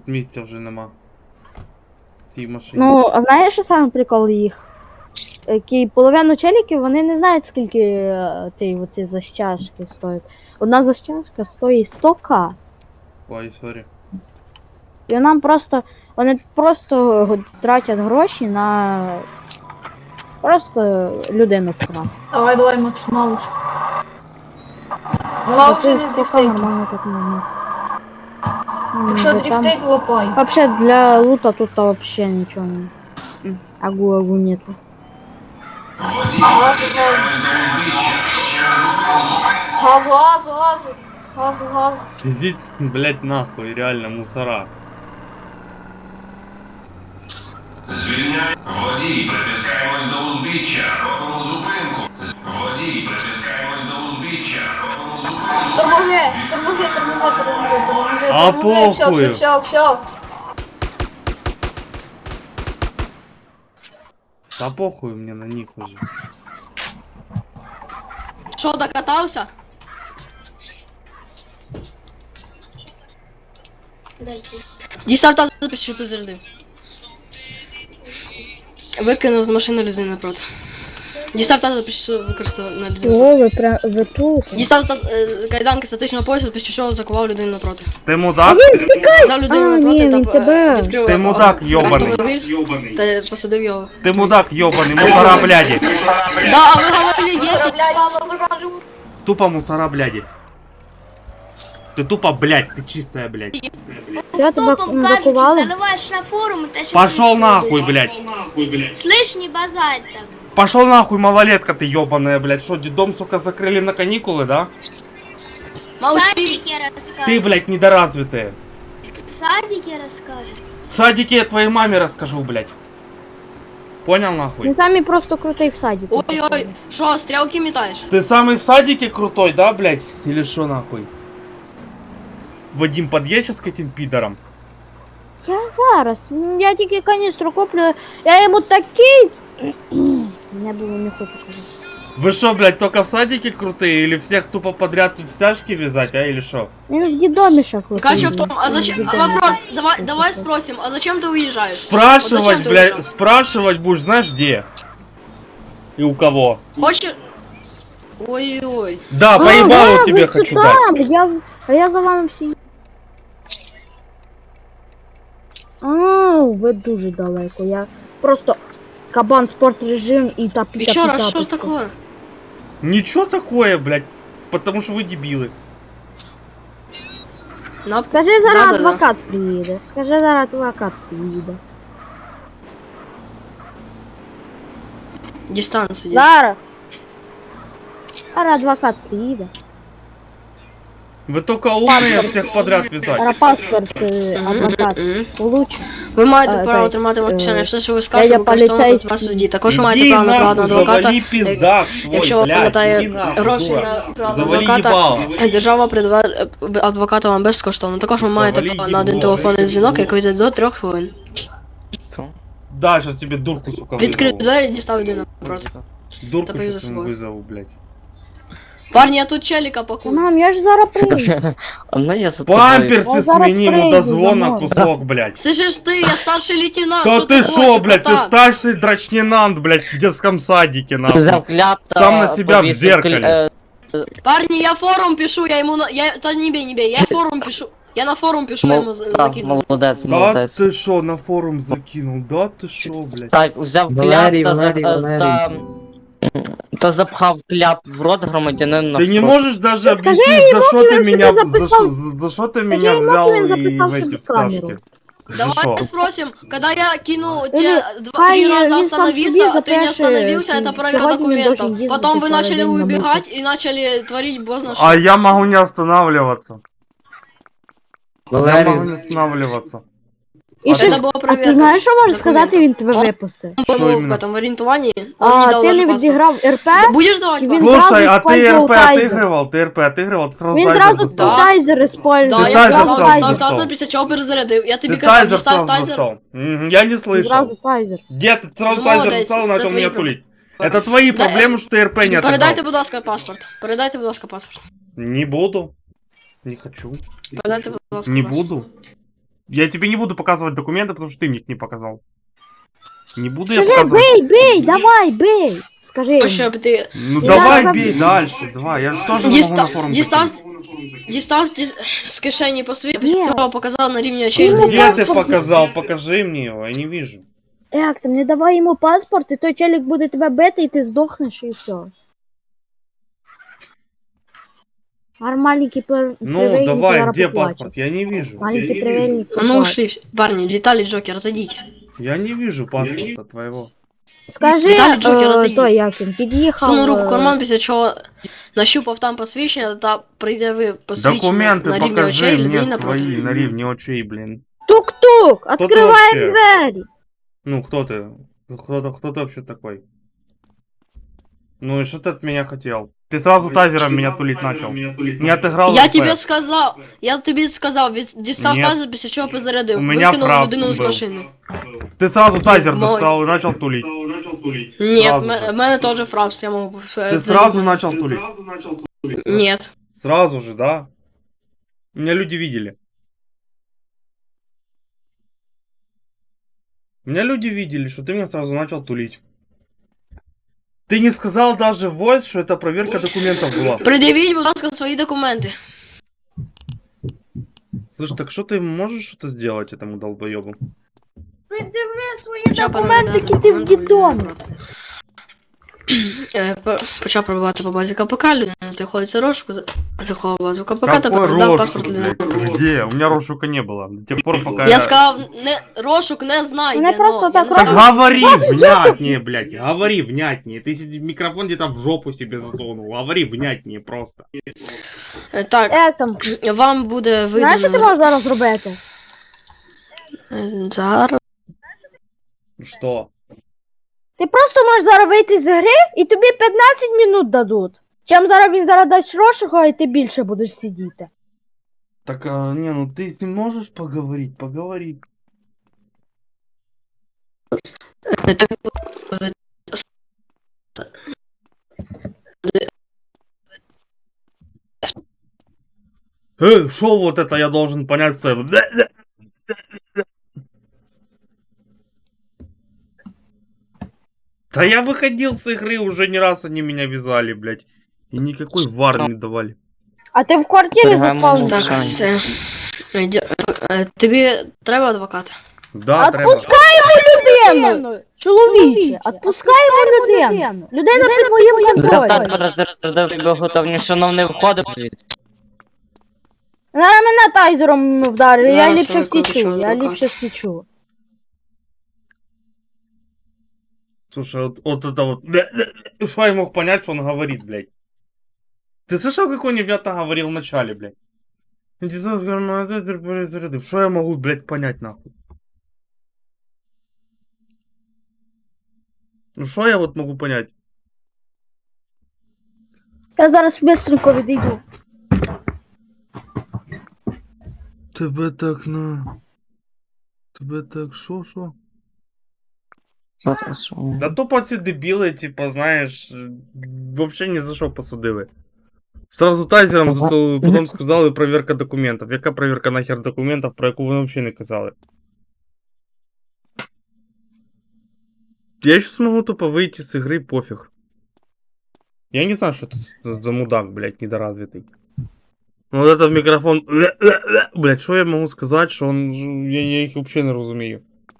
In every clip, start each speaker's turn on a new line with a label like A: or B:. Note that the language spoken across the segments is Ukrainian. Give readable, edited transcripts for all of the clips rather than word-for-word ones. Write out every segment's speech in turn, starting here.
A: тут місця вже нема. В цій машині.
B: Ну, а знаєш, що саме прикол їх? Половину челіків вони не знають, скільки оці защяжки стоять. Одна защяжка стоїть 100к.
A: Ой, сорі.
B: І вони просто тратять гроші на просто людину вкрасти.
C: Давай, максималочку. Вона вже не дрифтить.
B: Нормально так можна.
C: Якщо дрифтить, лопай.
B: Вообще для лута тут вообще ничего не. Агу нету.
C: Газу.
A: Ідіть, блять, нахуй, реально, мусора.
D: Звільняй. Водій, притискаємось до узбіччя, робимо зупинку. Водій, притискаємось до узбіччя, робимо зупинку.
C: Тормози.
A: А похуй.
C: Все.
A: Та похуй мне на них уже.
E: Що, докатався? Дістав запиши, що ти зарядив. Викинув з машини людину напроти. Дістав запиши, що використав на людину.
B: О, ви тут.
E: Дістав кайданки статичного поясу, після чого закував людину напроти.
A: Ти мудак?
E: Взяв людину напроти
B: ні,
E: та
B: тебе.
E: відкрив
A: Ти мудак, йобаний.
E: автомобіль та посадив його.
A: Ти мудак, йобаний, мусора, бляді.
E: Да, ви говорили, є тут.
A: Тупо мусора, бляді. Ты тупо, блядь, ты чистая, блядь.
B: Все, тебе закували?
F: Заливаешь на форум, это
A: Пошел нахуй, блядь.
F: Слышь, не базарь так.
A: Пошел нахуй, малолетка ты ёбаная, блядь. Что, детдом, сука, закрыли на каникулы, да?
F: В
E: Молчи.
F: садике расскажешь.
A: Ты, блядь, недоразвитая.
F: В садике расскажешь.
A: В садике я твоей маме расскажу, блядь. Понял, нахуй?
B: Він самі просто крутий в садіку.
E: Ой-ой, що, стрілки метаєш?
A: Ты самый в садике крутой, да, блядь? Или что, нахуй? Вадим, подъедь сейчас к этим пидорам.
B: Я зараз. Я тільки каністру куплю. Я йому такий. Я було не хочу казати.
A: Вы что, блядь, только в садике крутые? Или всех тупо подряд в стяжки вязать, а? Или что?
B: Він в дідомі ще крутий.
E: Кача в том, а зачем? А вопрос, давай спросим, а зачем ты уезжаешь?
A: Спрашивать,
E: Вот зачем ты
A: блядь,
E: уезжал?
A: спрашивать будешь, знаешь где? И у кого?
E: Хочешь? Ой-ой.
A: Да, поебалу тебе хочу дать.
B: Я за вами всі. Ви дуже далеко. Я просто кабан спорт режим і та піта.
E: Еще раз, что ж такое?
A: Ничего такое, блядь. Потому что вы дебилы.
B: Скажи, зараз
E: Да-да-да.
B: адвокат приїде. Скажи, зараз адвокат приїде.
E: Дистанцию.
B: Зараз. Зараз адвокат приїде.
A: Вы только умные всех подряд вязать.
B: Зараз паспорт адвокат получить.
E: Ви маєте
B: А,
E: право
B: так,
E: тримати мовчання, все, що ви
B: я
E: скажете, використовувати
B: поліцейський.
E: вас в суді. Також маєте
A: Иди
E: право на
A: нахуй,
E: приватного адвоката.
A: завали пиздак свой,
E: Якщо
A: блядь,
E: вкладає
A: иди нахуй,
E: гроші
A: дура.
E: на приватного
A: Завали
E: адвоката,
A: їбало.
E: держава придбає адвоката вам безкоштовно. Також ви маєте
A: Завали
E: право на один
A: їбло.
E: телефонний дзвінок, який йде до 3 хвилин.
A: Да, сейчас тебе дурку, сука,
E: Відкрив
A: вызову.
E: двері, дістав людину напроти.
A: Дурку
E: Та
A: сейчас
E: за
A: ему
E: собой.
A: вызову, блядь.
E: Парні, я тут челіка пакую.
B: Мам, я ж зараз приїду.
G: Ну я за тобою.
A: Памперсы
B: Я зараз
A: смени ему до
B: прийду,
A: звона
B: замовлю.
A: кусок, блядь.
E: Слышиш ти, я старший лейтенант,
A: Да
E: що
A: ты
E: хочеш,
A: шо, блядь, ты
E: братан?
A: старший драчнинант, блядь, в детском садике, нахуй.
G: Взяв кляп та
A: Сам на себя в
G: повісив
A: зеркале.
E: Парни, я форум пишу, я ему да не бей, я форум пишу. Я на форум пишу, я ему закину.
G: Молодець,
A: Да
G: молодець.
A: ты шо, на форум закинул, да ты шо, блядь.
G: Так, взяв кляп
H: Валерій,
G: та,
H: Валерій.
G: та запхав кляп в рот громадянину
A: Ты не
G: навпроти.
A: можешь даже
B: Скажи
A: объяснить, за что ты
B: ему,
A: меня,
B: что ты записал.
A: за что ты
B: Скажи
A: меня
B: ему,
A: взял
B: что я
A: и
B: записал
A: в эти
B: себе камеру.
A: всташки. За что?
E: Давай спросим, когда я кину
B: Или
E: тебе
B: хай
E: 3 раза
B: він сам
E: остановиться,
B: собі
E: а ты не
B: запише,
E: остановился, это проверка
B: сьогодні він должен
E: документов.
B: їздити
E: Потом вы
B: цілий
E: начали
B: день на
E: убегать и начали творить бозна что.
A: А я могу не останавливаться. Я могу
H: Валерій,
A: не останавливаться.
B: І
A: А
B: що
A: ти-
B: ж-
E: Это была
B: а
E: проверка.
B: ти знаєш, що можеш
E: документов.
B: сказати, він тебе
E: Он-
B: випустив?
A: Що
E: По-моему, в
A: іменно?
E: этом ориентовании он не
B: А
E: дал
B: ти
E: даже
B: не
E: паспорт.
B: відіграв РП?
E: Будешь давать
B: Він
E: паспорт?
A: Слушай, а
B: сразу
A: ты
B: использовал
A: РП
B: тайзер.
A: отыгрывал? Ты РП отыгрывал? Ты сразу
B: Він
A: тайзер
B: зразу
A: достал.
B: тайзер использував.
E: Да,
A: Ты
E: я
A: тайзер
E: сказал,
A: сразу
E: достал
A: достал.
E: тайзер, після чого перезарядив. Я тобі
A: Ты
E: казав,
A: тайзер
E: дістав
A: сразу
E: тайзер.
A: достал. Я не слышал.
B: Зразу тайзер.
A: Где ты сразу
E: Ну,
A: тайзер
E: молодець,
A: достал,
E: це
A: начал
E: твої
A: меня тулить? Это твои
E: Да,
A: проблемы, что ты РП не
E: Передайте,
A: отыграл.
E: будь ласка, паспорт. Передайте, будь ласка, паспорт.
A: Не буду. Не хочу.
E: Передайте, будь ласка,
A: Не
E: паспорт.
A: буду. Я тебе не буду показывать документы, потому что ты мне их не показал. Не буду я
B: Скажи,
A: показывать.
B: бей, давай, бей. Скажи.
E: То, щоб ти...
A: Ну
B: Я
A: давай
B: вам-
A: бей дальше, давай. Я же тоже могу на форум
E: Дістав з кишені посвідчення,
B: Ні.
E: після того показав на рівні очей.
B: Ну,
A: Где ты показал? Покажи мне его, я не вижу.
B: Як там, не давай йому паспорт, і той челік буде тебе бити, і ти здохнеш, і все. Маленький
A: Ну давай, где паспорт? Я не вижу.
B: Маленький привельник.
E: А ну ушли, парни, Виталий Джокер, отойдите.
A: Я не вижу паспорта твоего.
B: Скажи,
E: Віталій Джокер, отойди.
B: той як він, під'їхав.
E: Сунув руку в карман, після чого нащупав там посвідчення та пред'явив посвідчення
A: Документы
E: на рівні
A: покажи
E: очей
A: мне
E: людині напроти.
A: свои на рівні очей, блин.
B: Тук-тук,
A: ты
B: відкриваємо
A: вообще?
B: двері.
A: Ну кто ты? Кто ты вообще такой? Ну и что ты от меня хотел? Ты сразу тазером меня тулить начал. Не отыграл
E: Я
A: РП.
E: тобі сказав, дістав
A: Ні.
E: тазер, після чого позарядив,
A: У мене
E: викинув
A: фрапс
E: людину з
A: був.
E: машини.
A: Ты сразу тазер
E: Мой.
A: достал и начал тулить.
E: Ні,
A: Сразу
E: в
A: же.
E: мене теж фрапс, я можу...
A: Ты сразу начал тулить.
E: Ні.
A: Сразу же, да? Меня люди видели. Меня люди видели, что ты меня сразу начал тулить. Ты не сказал даже в voice, что это проверка документов была.
E: Пред'явіть, будь ласка, свої документи.
A: Слушай, так что ты можешь что-то сделать этому долбоебу?
B: Придиви свої
E: Почав
B: документики,
E: переглядати
B: ти в
E: документи,
B: дітомі.
E: Почав пробувати по базі КПК, людина знаходиться розшуку, заховав базу КПК та
A: Какой
E: передав паспорт
A: розшук,
E: людини.
A: блядь? Где? У меня розшука не было. До тех пор, пока
E: Я сказав, розшук не знайде,
B: Мене просто так
A: Так говори внятнее, блядь, говори внятнее. Ты микрофон где-то в жопу себе засунул. Говори внятнее просто.
E: Так,
B: Як там?
E: вам буде
B: Знаєш, що ти
E: видано...
B: можеш зараз зробити?
E: Зараз...
A: Что?
B: Ти просто можеш зараз вийти з гри, і тобі 15 минут дадуть. Чим зараз він зараз дасть розшуку, і ти більше будеш сидіти.
A: Так, не, ну ты с ним можешь поговорить? Поговори. Шо вот это я должен понять с этого? Да я выходил с игры, уже не раз они меня вязали, блядь. И никакой вар не давали.
B: А ти в квартирі
G: Перегаємо
B: заспав?
E: Так,
G: Саня.
E: все. Тобі треба адвокат?
A: Да, треба.
B: Людину! Чоловіче, відпускаємо людину. Людина під моїм контролем.
G: Зараз тебе готовні, шановний, входив звідси.
B: Зараз мене тайзером вдарили, я
E: Зараз
B: ліпше
E: викличу
B: втічу, я
E: адвоката.
B: ліпше втічу.
A: Слушай, вот это вот... Что я мог понять, что он говорит, блядь? Ты слышал, как он невнятно говорил в начале, блядь? Что я могу, блядь, понять, нахуй? Ну что я вот могу понять?
B: Я зараз быстренько відійду.
A: Тебе так на... Тебе так шо? Да тупо ці дебіли, типа, знаєш, вообще ні за що посадили. Сразу тайзером потім сказали проверка документів. Яка проверка нахер документів, про яку вони взагалі не казали? Я сейчас могу тупо выйти с игры, пофиг. Я не знаю, что это за мудак, блядь, недоразвитый. Ну вот это в микрофон... Блядь, что я могу сказать, что он... Я их вообще не разумею.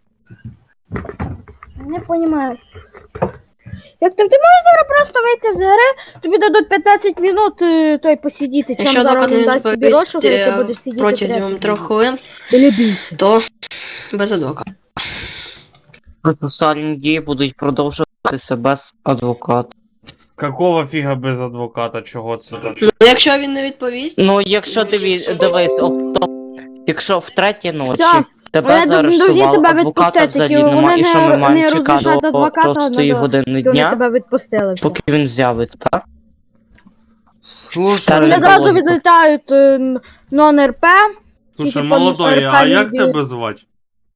B: Не розумію. Як ти можеш зараз просто вийти з гри, тобі дадуть 15 минут той посидіти, чим
E: Якщо
B: зараз
E: адвокат
B: він
E: не
B: дасть тобі
E: відповість
B: розшуку, і ти будеш сидіти 30
E: протягом 3
B: минут.
E: хвилин,
B: Или більше.
E: то без адвоката.
G: Процесуальні дії будуть продовжуватися без адвоката.
A: Какого фига без адвоката, чого це так?
E: Ну, якщо він не відповість,
G: Ну, якщо дивись, якщо в третій ночі
B: Все,
G: тебе
B: вони
G: заарештували,
B: тебе
G: адвоката
B: відпустять,
G: взагалі
B: тільки
G: немає,
B: вони
G: і що ми
B: не
G: маємо чекати
B: розрішать
G: до
B: адвоката,
G: 6 години
B: Вони
G: дня,
B: тебе відпустили. Все.
G: поки він з'явиться, так?
A: Слушай,
G: Вони
B: Вони зразу
G: логіку.
B: відлітають нон-РП.
A: слушай,
B: типа,
A: молодой, а
B: аркадій
A: як
B: діє.
A: тебе звать?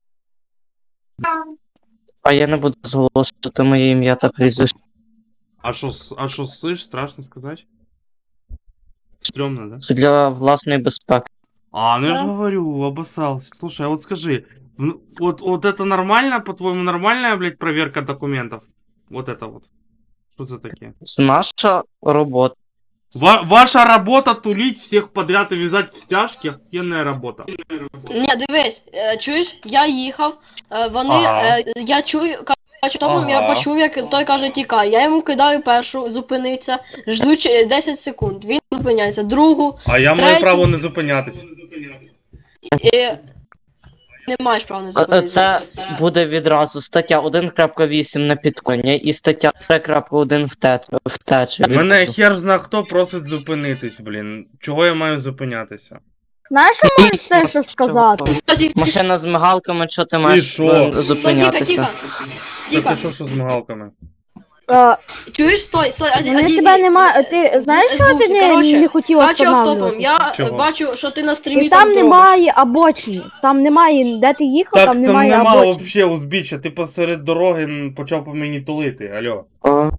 G: А я не буду зголошувати моє ім'я та прізвище.
A: А шо слышь, страшно сказать? Стрёмно, да?
G: Це для власної безпеки.
A: А, ну я же
B: Да.
A: говорю, обоссался. Слушай, а вот скажи, вот это нормально, по-твоему, нормальная, блядь, проверка документов? Вот это вот. Что за такие?
G: Це наша робота.
A: Ваша работа тулить всех подряд и вязать в стяжки, охуенная работа.
E: Ні, дивись, чуєш, я їхав, вони,
A: Ага.
E: я чую, коротше, тому я
A: Ага.
E: почув, як той каже, тікай. Я йому кидаю першу, зупиниться, жду 10 секунд, він зупиняється, другу,
A: А я маю
E: Третій.
A: право не зупинятись.
E: і не маєш права не зупинитися.
G: Це буде відразу стаття 1.8 на підконня і стаття 3.1 втечі.
A: Мене хер зна хто просить зупинитись, блін. Чого я маю зупинятися?
B: Знаєш, що можеш все що сказати?
G: Машина з мигалками, що ти
A: І
G: маєш
A: що?
E: Стой,
G: зупинятися?
E: тихо,
A: Та
E: тихо.
A: ти що з мигалками?
E: Чуєш, стой,
B: Вони тебе нема. Ти знаєш, що ти не хотів
E: Бачу автопом,
B: останавливатися?
E: я
A: Чого?
E: бачу, що ти на стрімі
B: І там
E: робиш.
B: немає обочини. Там немає, де ти їхав,
A: Так
B: там
A: там
B: немає
A: нема
B: обочини.
A: вообще узбіччя, ти посеред дороги почав по мені тулити, алло.
G: О,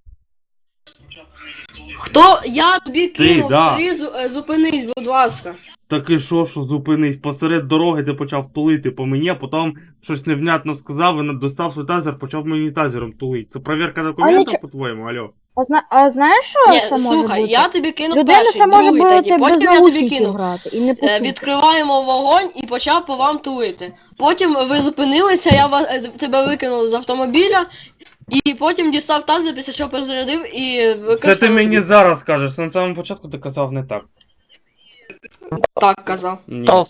E: Хто? Я тобі кинув,
A: да.
E: зупинись, будь ласка.
A: Так і що зупинись? Посеред дороги ти почав тулити по мені, а потім щось невнятно сказав і достав свій тазер, почав мені тазером тулити. Це перевірка документів, по-твоєму, алло?
B: А знаєш, що
E: Ні,
B: ще може
E: слухай,
B: бути?
E: я тобі кинув
B: Людина
E: перший,
B: ще може
E: другий,
B: бути
E: третій,
B: без
E: потім я тобі
B: наушників
E: кинув.
B: грати і не почути.
E: Відкриваємо вогонь і почав по вам тулити. Потім ви зупинилися, я тебе викинув з автомобіля, і потім дістав тазер, після чого перезарядив і викинув.
A: Це ти мені зараз кажеш, на самому початку ти казав не так.
E: Так казав.
A: Ні.
G: то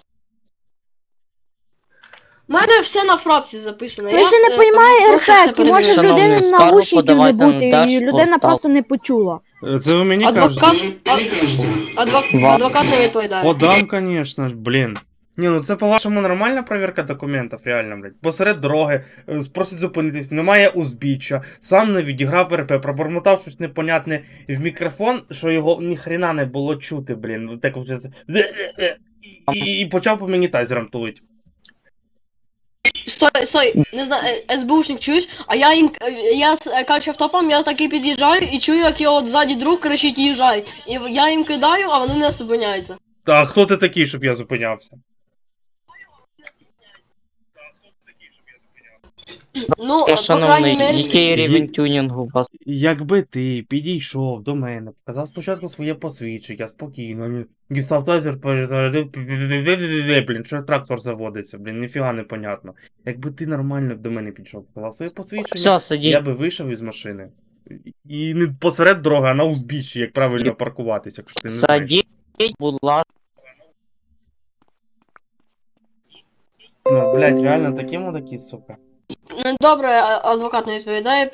E: У мене все на фрапсі записано.
B: Ви ще не
E: просто
B: розумієте
E: все
B: ефект, може в
G: Шановний,
B: людини
G: скаргу
B: наушників не
G: подавайте на
B: бути, і
G: Держпортал.
B: людина просто не почула.
A: Це ви мені
E: Адвокат,
A: кажете?
E: адвокат не відповідає.
A: Подам, конечно ж, блін. Ні, ну це по-вашому нормальна перевірка документів, реально, блядь. Посеред дороги, просить зупинитись, немає узбіччя, сам не відіграв РП, пробормотав щось непонятне в мікрофон, що його ніхрена не було чути, блін. Так от, і почав по мені тазером тулить.
E: Стой, не знаю, СБУшник чуєш, а я кажу автопом, я такий під'їжджаю і чую, як його ззаді друг кричить їжджай. І я їм кидаю, а вони не зупиняються.
A: Та хто ти такий, щоб я зупинявся?
E: Ну, по крайній
G: шановний,
E: мері,
G: який рівень тюнінгу у вас?
A: Якби ти підійшов до мене, показав спочатку своє посвідчення, спокійно, дістав тазер, перезарядив, блін, що трактор заводиться, блін, ніфіга не понятно. Якби ти нормально до мене підійшов, показав своє посвідчення,
G: Все, сидіть.
A: я би вийшов із машини. І не посеред дороги, а на узбіччі, як правильно паркуватися, якщо ти не знаєш.
G: Садіть, будь ласка.
A: Ну, блядь, реально такі мудаки, сука.
E: ну, добре, адвокат не відповідає.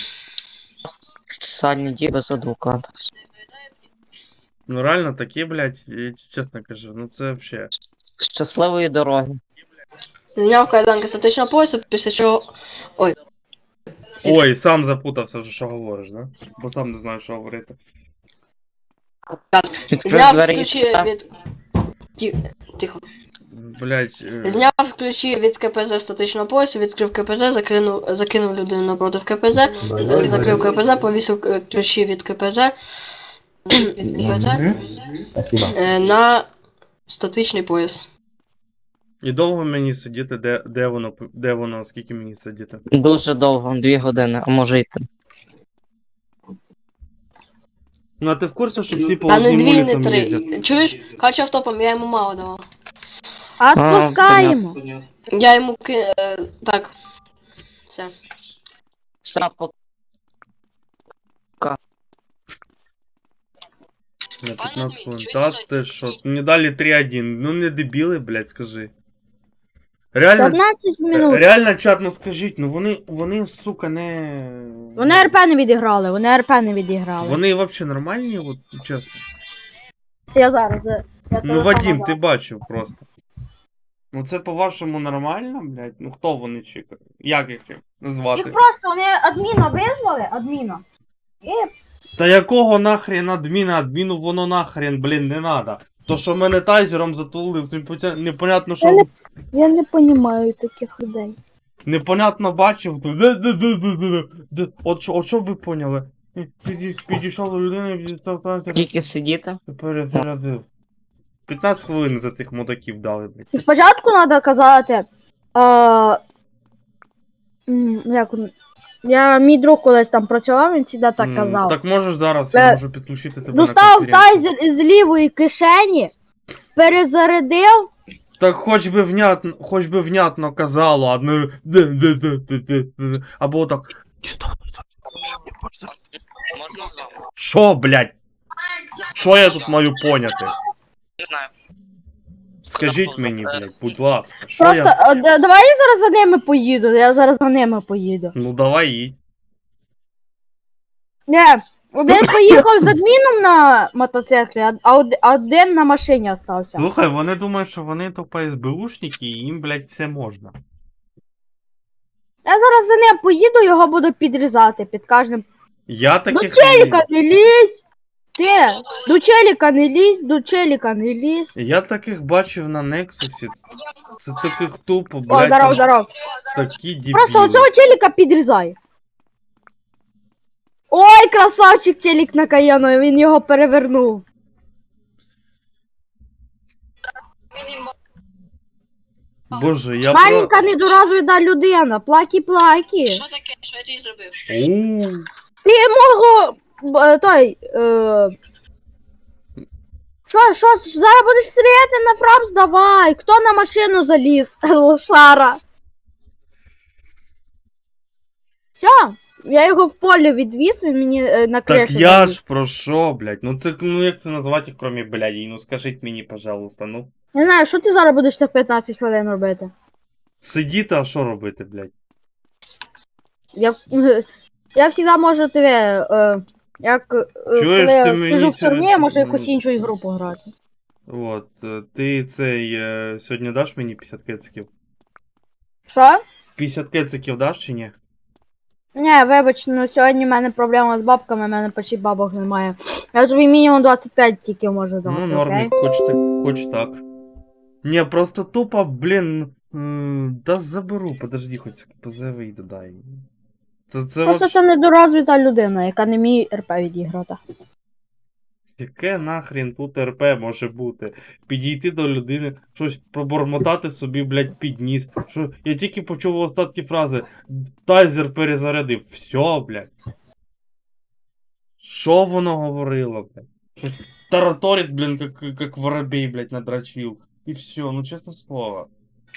G: Садні без адвоката.
A: Ну реально такі, блядь, я чесно кажу, ну це вообще.
G: Щасливої дороги.
E: Зняв кайданки статичного поясу, після чого...
A: Ой, сам запутався вже, що говориш, да? Бо сам не знаю, що говорити.
G: Відкрив
E: Зняв
G: двері.
E: ключі від... Тихо.
A: Блядь,
E: Зняв ключі від КПЗ статичного поясу, відкрив КПЗ, закинув людину напроти КПЗ, закрив КПЗ, повісив ключі від КПЗ, на статичний пояс.
A: і довго мені сидіти, де воно, скільки мені сидіти?
G: Дуже довго, 2 години, а може й 3.
A: Ну а ти в курсі, що всі по
E: А не
A: одним
E: 2, не
A: вулицям
E: 3.
A: їздять?
E: Чуєш? Качу автопом, я йому мало давав.
B: Отпускаємо.
E: Я йому так. Все.
G: Все,
A: На 15 хвилин. Та ти що? Мені далі 3-1. Ну не дебіли, блядь, скажи. Реально,
B: 15 минут.
A: реально, чат, ну скажіть, ну вони, сука, не...
B: Вони РП не відіграли, вони РП не відіграли.
A: Вони взагалі нормальні, от, чесно.
B: Я зараз.
A: Ну, Вадим, ти бачив просто. Ну це по-вашому нормально, блядь? Ну хто вони чекають? Як їх назвати?
B: Їх просто вони адміна визвали, адміна.
A: Та якого нахрен адміна? Адміну воно нахрен, блін, не надо. То, що мене тайзером затулив, це непонятно, що...
B: Я не розумію таких людей.
A: Непонятно бачив. От що ви поняли? Підійшов до людини і підійшов тайзер,
G: Тільки сидіти.
A: перезарядив. 15 хвилин за цих мудаків дали, блядь.
B: І спочатку треба казати. Як мій друг колись там працював, він завжди так казав.
A: Так можеш зараз, я можу підключити тебе на
B: Достав
A: конференцію.
B: тайзер із лівої кишені, перезарядив.
A: Так хоч би внятно казало, а не... Або так...
G: Можна з вами?
A: Шо, блядь? Що я тут маю поняти?
G: Не знаю.
A: Скажіть мені, блядь, будь ласка, що
B: Просто
A: я...
B: давай я зараз за ними поїду. Я зараз за ними поїду.
A: Ну давай їдь.
B: Не, один поїхав з адміном на мотоциклі, а один на машині остався.
A: Слухай, вони думають, що вони тупо СБУшники, і їм, блядь, все можна.
B: Я зараз за ним поїду, його буду підрізати під кожним.
A: Я
B: До
A: таких
B: челіка не лізь! Ти! До челіка не лізь, до челіка не лізь.
A: Я таких бачив на Нексусі. Це таких тупо,
B: О,
A: блядь,
B: здоров,
A: там
B: здоров.
A: такі дебіли.
B: Просто оцього челіка підрізай. Ой, красавчик челік на Каяну, він його перевернув.
A: Боже, я
B: Маленька недоразвита людина, плакі-плакі.
E: Що таке? Що я тобі зробив?
A: Ууу.
B: Ти мого... Що, зараз будеш стріляти на фрапс? Давай! Хто на машину заліз? Лошара. Все, я його в полі відвіз, він мені на кришу.
A: Так я
B: заліз.
A: ж про що, блядь? Ну це, ну як це назвати, кроме блядь? Ну скажіть мені, пожалуйста, ну.
B: Не знаю, що ти зараз будеш за 15 хвилин робити?
A: Сидіти, а що робити, блядь?
B: Я завжди можу тебе,
A: Чуєш,
B: коли
A: ти
B: я
A: мені
B: сижу в тюрмі,
A: сьогодні-
B: я можу якусь іншу ігру пограти.
A: От, ти цей, сьогодні даш мені 50 кециків?
B: Що?
A: 50 кециків даш чи ні?
B: Ні, вибач, ну сьогодні в мене проблема з бабками, в мене почти бабок немає. Я тобі мінімум 25 тільки можу дати.
A: Ну, нормик, хоч так. Ні, просто тупо, блін, да заберу, подожди, хоч позови дай. Це
B: Просто
A: вообще...
B: це недоразвита людина, яка не вміє РП відіграти.
A: Яке нахрін тут РП може бути? Підійти до людини, щось пробормотати собі, блядь, під ніс. Що... Я тільки почув остатки фрази «Тайзер перезарядив». Все, блядь. Що воно говорило, блядь? Щось тараторить, блін, как воробей, блядь, надрачив. І все, ну чесне слово.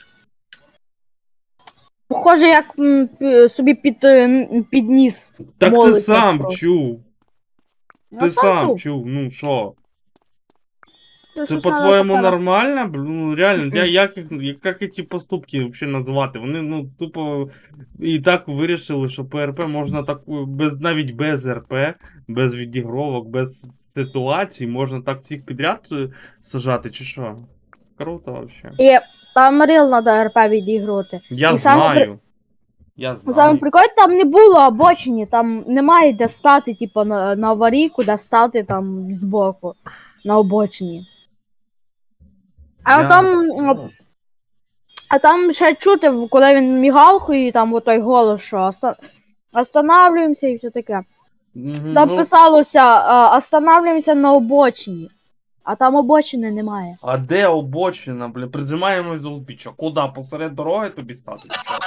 B: Похоже, як собі підніс.
A: Так ти
B: Молиться
A: сам
B: просто.
A: чув. Ти сам чув, ну що? Це по-твоєму нормально? Ну реально, як ці поступки взагалі назвати? Вони, ну, тупо і так вирішили, що ПРП можна так, навіть без РП, без відігровок, без ситуацій, можна так всіх підряд сажати, чи що? Круто вообще.
B: І там рил треба РП відіграти.
A: Я
B: І саме
A: знаю. Я
B: Саме
A: знаю.
B: прикольно, там не було обочині, там немає де стати, типу, на аварійку, де стати там збоку, на обочині. А там ще чути, коли він мігав, і там отой голос, що останавливаємося і все таке. Там писалося, останавливаємося на обочині. А там обочини немає.
A: А де обочина, блін? Призимаємось до узбіччя. Куди? Посеред дороги тобі стати?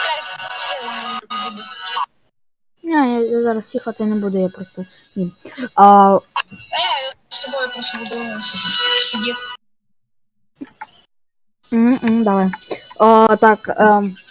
B: Ні, я зараз їхати не буду, я просто. Ні.
C: Я с тобой просто буду сидеть.
B: Давай. Так,